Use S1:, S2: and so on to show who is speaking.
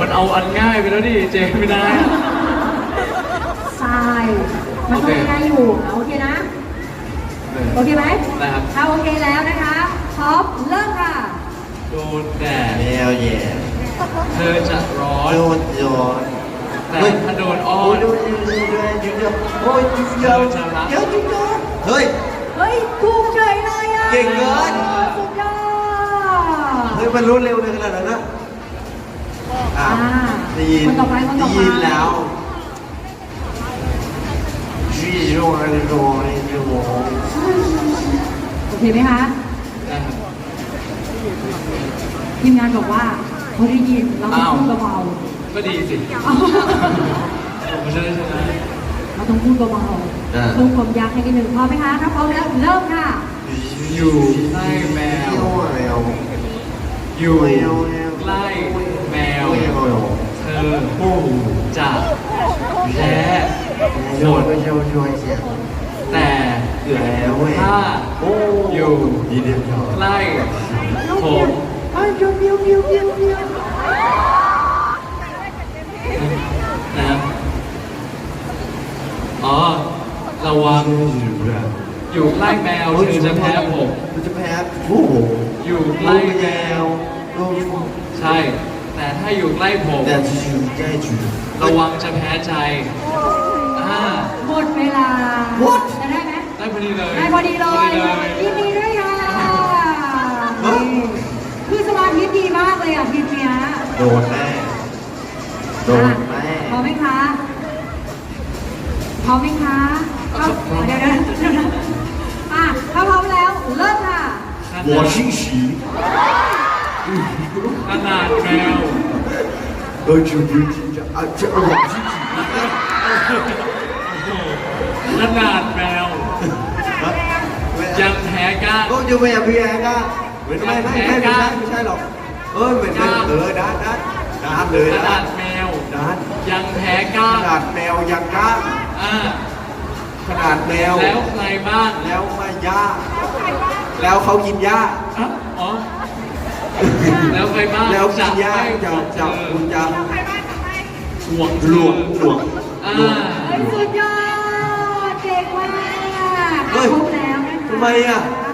S1: มันเอาอันง่ายไปแล้วดิเจไม่ได้
S2: ทรายมันต้องง่ายอยู่โอเคนะโอเคไหม
S1: ได้ครับ
S2: ถ้าโอเคแล้วนะคะท็อปเริ่มค่ะ
S1: โดนแดด
S3: แมวแย่
S1: เธอจะร้อน
S3: โดนโยน
S1: แต่ถ้าโดนอ้อน
S3: โอ้ยโอ้ยเดี๋ยวเดี๋ยวเฮ้ย
S2: ถูกเฉยเลยอ่ะ
S3: เก่งเกิน
S2: สุดยอด
S3: เฮ้ยมันรู้เร็วเลยขนาดนั้นนะได้ยินแล้วชีโร่โร่
S2: โอเคไหมคะ
S1: ได้ครับ
S2: ทีมงานบอกว่าเขาได้ยินเราต้องพูดเบา
S1: ๆก็ดีสิผมจะได้ชนะ
S2: เราต้องพูดเบาๆเพิ่มความยากให้นิดนึงพร้อมไหมคะถ้าพร้อมแล้วเริ่มค่ะ
S1: อยู่ใกล้แมวอยู่ใกล้แมวเธอจะแพ้หมดแต่ถ้าอยู่ใกล้ผมนะครับอ๋อระวังอยู่ใกล้แมวเธอจะแพ้ผม
S3: จะแพ้โอ้โห
S1: อยู่ใกล้แมวใช่แต่ถ้าอยู่ใกล้ผมระวังจะแพ้ใจ
S2: หมดเวลาจะได้ไหม
S1: ได้พอดีเลย
S2: ได้พอดีเลยยินดีด้วยค่ะคือสมาธิดีมากเลยอ่ะทีเนี้ย
S3: โดนแม่พ
S2: ร้อมไหมคะพร้อมไหมคะเดี๋ยวถ้าพร้อมแล้วเริ่มค่ะ
S3: 我欣喜
S1: ขนาดแมว
S3: 我欣喜
S1: ขนาดแมวยังแพ้ก้าง
S3: ก็จะไม่อยากแพ้ก้างไม่ใช่หรอกเหมือนด้านเลย
S1: ขนาดแมวยังแพ้ก้าง
S3: ขนาดแมวยังก้างขนาดแมว
S1: แล้วใครบ้าง
S3: แล้วมาย่าแล้วเขากินหญ้า
S1: อ๋อแล้วใครบ้าง
S3: แล้วกินหญ้าจะคุณจะหลวง
S2: สุดยอดเก่งมากครบแล้วนะคะ
S3: ทำไมอ่ะ